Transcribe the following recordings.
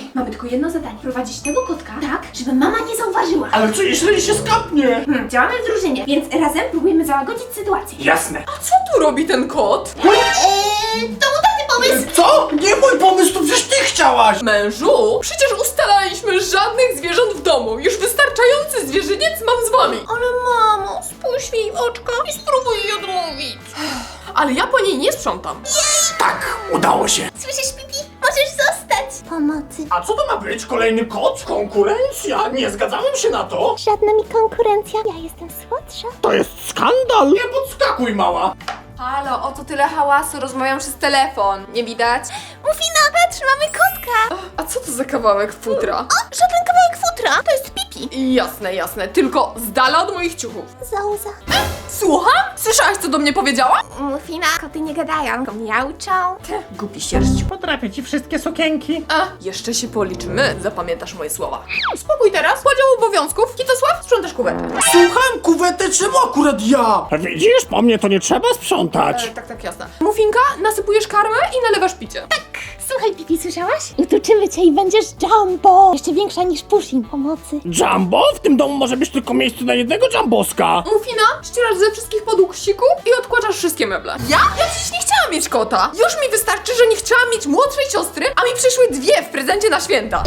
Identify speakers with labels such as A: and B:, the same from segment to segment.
A: mamy tylko jedno zadanie. Prowadzić tego kotka tak, żeby mama nie zauważyła.
B: Ale co jeśli się skapnie?
A: Działamy w drużynie, więc razem próbujemy załagodzić sytuację.
B: Jasne.
C: A co tu robi ten kot?
A: To był taki pomysł.
B: Co? Nie mój pomysł, to przecież ty chciałaś!
C: Mężu, przecież ustalaliśmy żadnych zwierząt w domu. Już wystarczający zwierzyniec mam z wami.
A: Ale mamo, spójrz mi w oczka i spróbuj jej odmówić.
C: Ale ja po niej nie sprzątam.
B: Tak, udało się.
A: Słyszysz, Pipi? Możesz zostać. Pomocy.
B: A co to ma być? Kolejny kot? Konkurencja? Nie zgadzałem się na to.
A: Żadna mi konkurencja. Ja jestem słodsza.
B: To jest skandal. Nie podskakuj, mała.
C: Halo, o co tyle hałasu? Rozmawiam przez telefon. Nie widać?
A: Mufina, patrz, mamy kotka.
C: A co to za kawałek futra?
A: Żaden kawałek futra. To jest Pipi.
C: Jasne, jasne. Tylko z dala od moich ciuchów.
A: Zauza.
C: Słucham? Słyszałaś, co do mnie powiedziała?
A: Mufina, koty nie gadają, tylko miauczą.
C: Głupi sierść.
B: Potrafię ci wszystkie sukienki.
C: A, jeszcze się policzymy. Zapamiętasz moje słowa. Spokój teraz. Podział obowiązków. Kitosław, sprzątasz kuwetę.
B: Słucham, kuwetę, czemu akurat ja? Widzisz, po mnie to nie trzeba sprzątać.
C: Tak, jasne. Mufinka, nasypujesz karmę i nalewasz picie.
A: Słuchaj, Pipi, słyszałaś? Utuczymy cię i będziesz Jumbo. Jeszcze większa niż Pushing. Pomocy.
B: Jumbo? W tym domu może być tylko miejsce na jednego Jumboska.
C: Mufina, ścierasz ze wszystkich podłóg siku i odkładasz wszystkie meble. Ja przecież nie chciałam mieć kota. Już mi wystarczy, że nie chciałam mieć młodszej siostry, a mi przyszły dwie w prezencie na święta.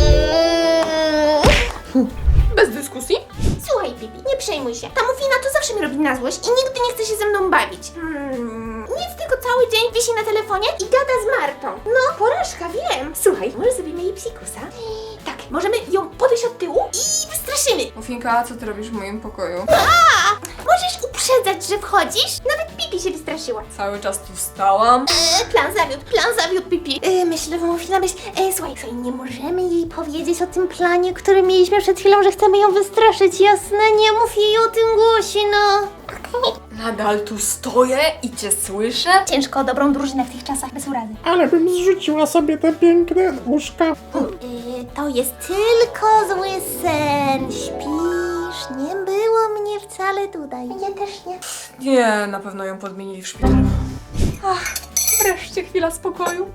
C: Bez dyskusji?
A: Słuchaj, Pipi, nie przejmuj się. Ta Mufina to zawsze mi robi na złość i nigdy nie chce się ze mną bawić. Nic, tylko cały dzień wisi na telefonie i gada z Martą. No, porażka, wiem. Słuchaj, może zrobimy jej psikusa? Tak, możemy ją podejść od tyłu i wystraszymy.
C: Mufinka, co ty robisz w moim pokoju?
A: Możesz uprzedzać, że wchodzisz? Nawet Pipi się wystraszyła.
C: Cały czas tu stałam.
A: Plan zawiódł, Pipi. Myślę, że Mufina być... Słuchaj, nie możemy jej powiedzieć o tym planie, który mieliśmy przed chwilą, że chcemy ją wystraszyć, jasne? Nie mów jej o tym głośno.
C: Nadal tu stoję i cię słyszę?
A: Ciężko o dobrą drużynę w tych czasach, bez urazy.
B: Ale bym zrzuciła sobie te piękne uszka.
A: To jest tylko zły sen. Śpisz, nie było mnie wcale tutaj. Ja też nie.
C: Nie, na pewno ją podmienili w szpitalu. Ach, wreszcie chwila spokoju.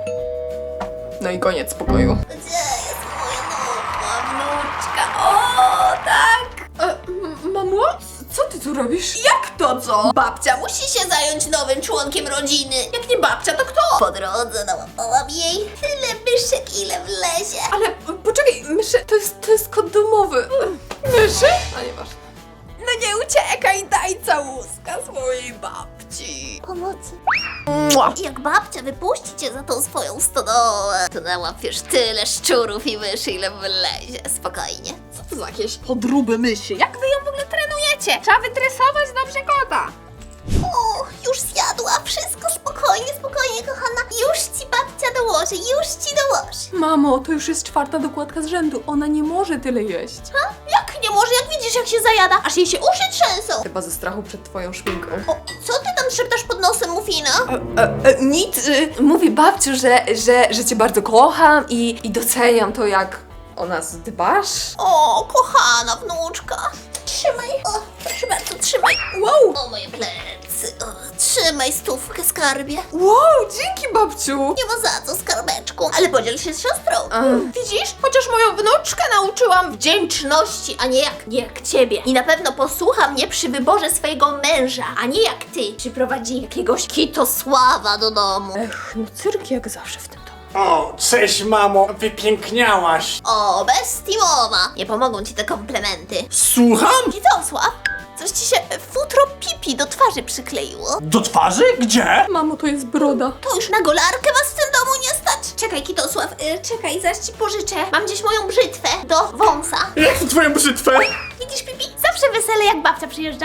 C: No i koniec spokoju.
A: Gdzie jest moja nowa wnuczka? O, tak!
C: Mamo? Co ty tu robisz?
A: Jak to co? Babcia musi się zająć nowym członkiem rodziny. Jak nie babcia, to kto? Po drodze nałapałam jej tyle myszek, ile wlezie.
C: Ale poczekaj, myszy, to jest kot domowy. Myszy? A nieważne.
A: No nie uciekaj, daj całuska swojej babci. Pomocy. Jak babcia wypuści cię za tą swoją stodołę, to nałapiesz tyle szczurów i myszy, ile wlezie. Spokojnie.
C: Co to za jakieś podróby myszy?
A: Jak wy ją w ogóle trenujecie? Trzeba wytresować dobrze kota. O, już zjadła. Wszystko spokojnie, kochana. Już ci babcia dołoży, już ci dołoży.
C: Mamo, to już jest 4. dokładka z rzędu. Ona nie może tyle jeść.
A: Ha? Jak nie może? Jak widzisz, jak się zajada? Aż jej się uszy trzęsą.
C: Chyba ze strachu przed twoją szpinką.
A: O, co ty tam szeptasz pod nosem, Mufina?
C: Nic. Mówi babciu, że cię bardzo kocham i doceniam to, jak o nas dbasz.
A: O, kochana wnuczka. Trzymaj. O, proszę bardzo, trzymaj. Wow. O, moje plecy. O, trzymaj stówkę, skarbie.
C: Wow, dzięki babciu.
A: Nie ma za co, skarbeczku. Ale podziel się z siostrą. Widzisz? Chociaż moją wnuczkę nauczyłam wdzięczności, a nie jak ciebie. I na pewno posłucha mnie przy wyborze swojego męża, a nie jak ty. Przyprowadzi jakiegoś Kitosława do domu.
C: No cyrk jak zawsze w tym domu.
B: O, cześć mamo, wypiękniałaś.
A: O, bestii mowa. Nie pomogą ci te komplementy.
B: Słucham?
A: Kitosław, coś ci się futro Pipi do twarzy przykleiło.
B: Do twarzy? Gdzie?
C: Mamo, to jest broda.
A: To już na golarkę was w tym domu nie stać. Czekaj, Kitosław, czekaj, zaraz ci pożyczę. Mam gdzieś moją brzytwę do wąsa.
B: Jak to twoją brzytwę?
A: Widzisz, Pipi? Zawsze wesele, jak babcia przyjeżdża.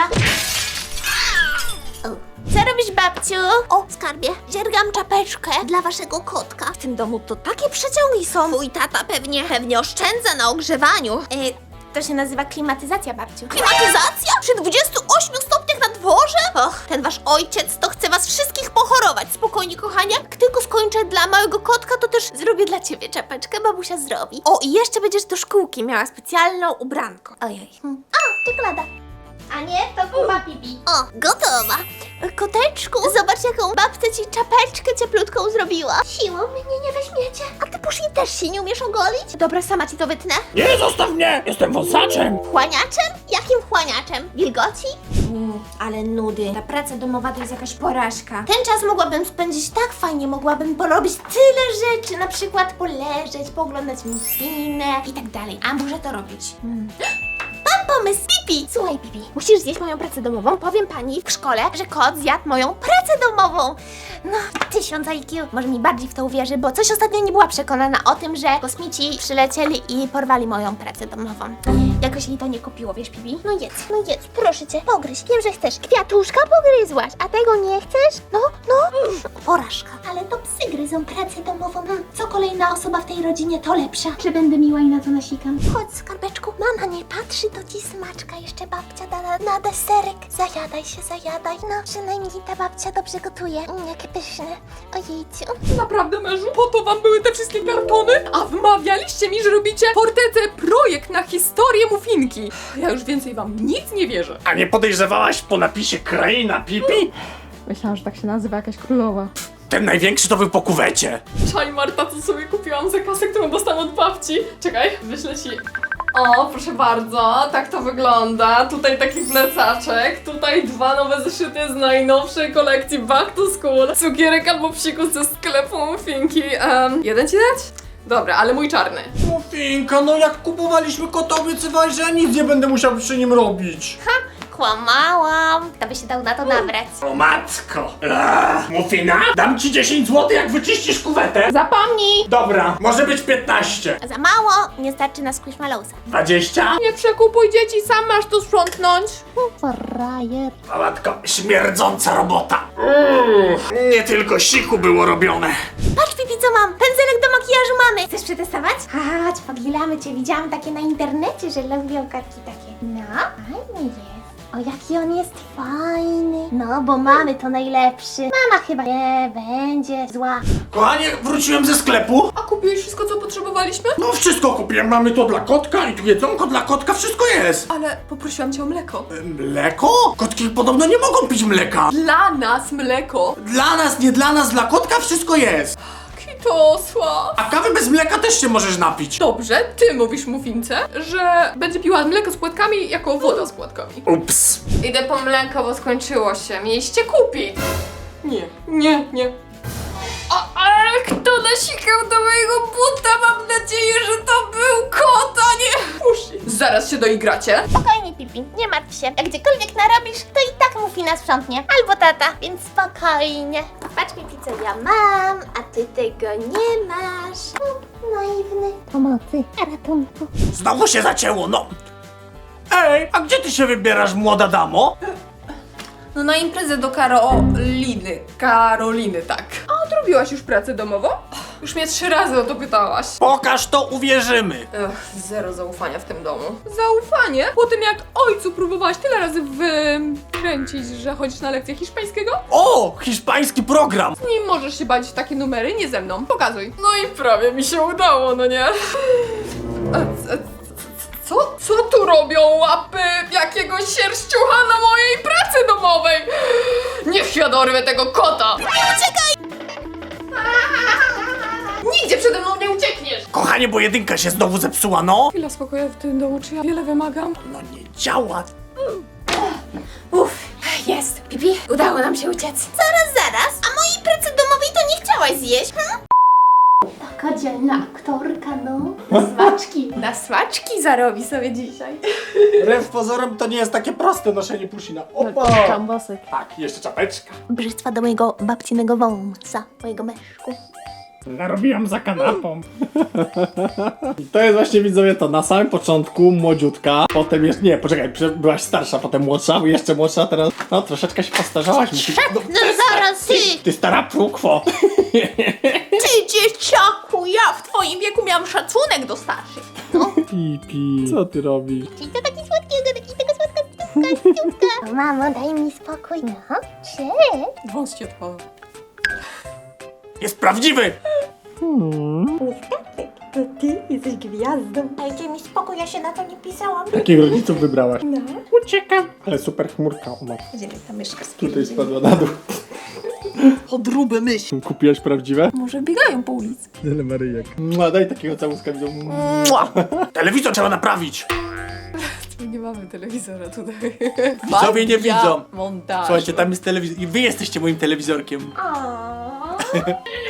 A: O. Co robisz, babciu? O, skarbie, dziergam czapeczkę dla waszego kotka. W tym domu to takie przeciągi są. Twój tata pewnie oszczędza na ogrzewaniu. To się nazywa klimatyzacja, babciu. Klimatyzacja? Przy 28 stopniach na dworze? Och, ten wasz ojciec to chce was wszystkich pochorować. Spokojnie, kochanie. Jak tylko skończę dla małego kotka, to też zrobię dla ciebie czapeczkę, babusia zrobi. O, i jeszcze będziesz do szkółki miała specjalną ubranko. Ojej. O, czekolada. A nie, to kuba Pipi. O, gotowa. Koteczku, zobacz jaką babcia ci czapeczkę cieplutką zrobiła. Siłą mnie nie weźmiecie. A ty Pusi też się nie umiesz ogolić? Dobra, sama ci to wytnę.
B: Nie, zostaw mnie! Jestem wąsaczem!
A: Wchłaniaczem? Jakim wchłaniaczem? Wilgoci? Ale nudy. Ta praca domowa to jest jakaś porażka. Ten czas mogłabym spędzić tak fajnie, mogłabym porobić tyle rzeczy, na przykład poleżeć, pooglądać filmy i tak dalej. A muszę to robić. Mam pomysł, Pipi! Słuchaj, Pipi, musisz zjeść moją pracę domową. Powiem pani w szkole, że kot zjadł moją pracę domową. No, 1000 IQ. Może mi bardziej w to uwierzy, bo coś ostatnio nie była przekonana o tym, że kosmici przylecieli i porwali moją pracę domową. Jakoś jej to nie kupiło, wiesz, Pipi? No jedz, proszę cię, pogryź. Wiem, że chcesz. Kwiatuszka pogryzłaś, a tego nie chcesz? No. Porażka. Ale to psy gryzą pracę domową. Co kolejna osoba w tej rodzinie, to lepsza. Że będę miła i na to nasikam. Chodź, skarbeczku. Mama nie patrzy, to ci smaczka jeszcze babcia da na deserek. Zajadaj. No, przynajmniej ta babcia dobrze gotuje. Jakie pyszne. Ojejciu.
C: Naprawdę, mężu? Po to wam były te wszystkie kartony? A wmawialiście mi, że robicie fortecę projekt na historię muffinki. Ja już więcej wam nic nie wierzę.
B: A nie podejrzewałaś po napisie Kraina Pipi?
C: Myślałam, że tak się nazywa jakaś królowa.
B: Ten największy to był po kuwecie.
C: Czaj, Marta, co sobie kupiłam za kasę, którą dostałam od babci. Czekaj, wyślę ci. O, proszę bardzo, tak to wygląda. Tutaj taki plecaczek, tutaj 2 nowe zeszyty z najnowszej kolekcji Back to School. Cukierek albo psikus ze sklepu muffinki. Jeden ci dać? Dobra, ale mój czarny.
B: Muffinka, no jak kupowaliśmy kota, obiecywałeś, że ja nic nie będę musiał przy nim robić.
A: Kłamałam. Kto by się dał na to nabrać?
B: O matko! Muffina? Dam ci 10 zł, jak wyczyścisz kuwetę.
C: Zapomnij!
B: Dobra, może być 15.
A: Za mało, nie starczy na Squishmallowsa.
B: 20?
C: Nie przekupuj dzieci, sam masz to sprzątnąć.
A: Frajer.
B: O matko, śmierdząca robota. Nie tylko siku było robione.
A: Patrz, Pipi, co mam! Pędzelek do makijażu mamy! Chcesz przetestować? Chodź, pogilamy cię. Widziałam takie na internecie, że lubią kartki takie. No, fajny jest. O, jaki on jest fajny. No, bo mamy to najlepszy. Mama chyba nie będzie zła.
B: Kochanie, wróciłem ze sklepu.
C: A kupiłeś wszystko, co potrzebowaliśmy?
B: No wszystko kupiłem, mamy to dla kotka i tu jedzonko dla kotka, wszystko jest.
C: Ale poprosiłam cię o mleko.
B: Mleko? Kotki podobno nie mogą pić mleka.
C: Dla nas mleko.
B: Dla nas, nie dla nas, dla kotka wszystko jest.
C: Kitosła.
B: A kawy bez mleka też się możesz napić.
C: Dobrze, ty mówisz muffince, że będzie piła mleko z płatkami jako woda z płatkami.
B: Ups.
C: Idę po mleko, bo skończyło się. Mieliście kupić. Nie. Ale kto nasikał do mojego buta? Mam nadzieję, że to był kot, a nie Pusi. Zaraz się doigracie.
A: Spokojnie, Pipi, nie martw się. Jak gdziekolwiek narobisz, to i tak Muffina sprzątnie. Albo tata, więc spokojnie. Patrz, Pipi, co ja mam, a ty tego nie masz. Naiwny. Pomocy, ratunku.
B: Znowu się zacięło, no. Ej, a gdzie ty się wybierasz, młoda damo?
C: No na imprezę do Karoliny, tak. A odrobiłaś już pracę domową? Już mnie 3 razy o to pytałaś.
B: Pokaż to, uwierzymy.
C: Zero zaufania w tym domu. Zaufanie? Po tym jak ojcu próbowałaś tyle razy wykręcić, że chodzisz na lekcję hiszpańskiego?
B: O, hiszpański program.
C: Z nim możesz się bawić w takie numery, nie ze mną. Pokazuj. No i prawie mi się udało, no nie? Co tu robią łapy jakiegoś sierściucha na mojej pracy domowej? Niech ja dorwę tego kota! Uciekaj! Nigdzie przede mną nie uciekniesz!
B: Kochanie, bo jedynka się znowu zepsuła, no.
C: Chwila spokoju w tym domu, czy ja wiele wymagam?
B: No nie działa.
C: Jest! Pipi, udało nam się uciec.
A: Zaraz, a mojej pracy domowej to nie chciałaś zjeść, Taka dzielna aktorka, no.
C: Na smaczki zarobi sobie dzisiaj.
B: Wbrew pozorom to nie jest takie proste noszenie pusina. Opa!
C: Czambosek.
B: Tak, jeszcze czapeczka.
A: Brzytwa do mojego babcinego wąsa, mojego meszku.
B: Narobiłam za kanapą. I to jest właśnie, widzowie, to na samym początku młodziutka, potem jest, nie, poczekaj, byłaś starsza, potem młodsza, jeszcze młodsza, teraz, no troszeczkę się postarzałaś.
A: No zaraz ty!
B: Ty stara prukwo.
A: Ty dzieciaku, ja w twoim wieku miałam szacunek do starszych.
B: Pipi, co ty robisz?
A: Czyli to taki słodki, taka słodka stówka. Mamo, daj mi spokój. No, cześć.
C: Wąs ci odpala.
B: Jest prawdziwy!
A: To ty jesteś gwiazdą. Dajcie mi spokój, ja się na to nie pisałam.
B: Jakich rodziców wybrałaś?
A: No.
B: Uciekam. Ale super chmurka, o matko.
A: Gdzie ta myszka
B: Tutaj spadła na dół.
C: Podróby myśl.
B: Kupiłaś prawdziwe?
C: Może biegają po ulicy.
B: Tyle Maryjek. Daj takiego całuska widzą. Telewizor trzeba naprawić.
C: Nie mamy telewizora tutaj.
B: Widzowie nie widzą.
C: Montaż.
B: Słuchajcie, tam jest telewizor i wy jesteście moim telewizorkiem.
A: Aaaa.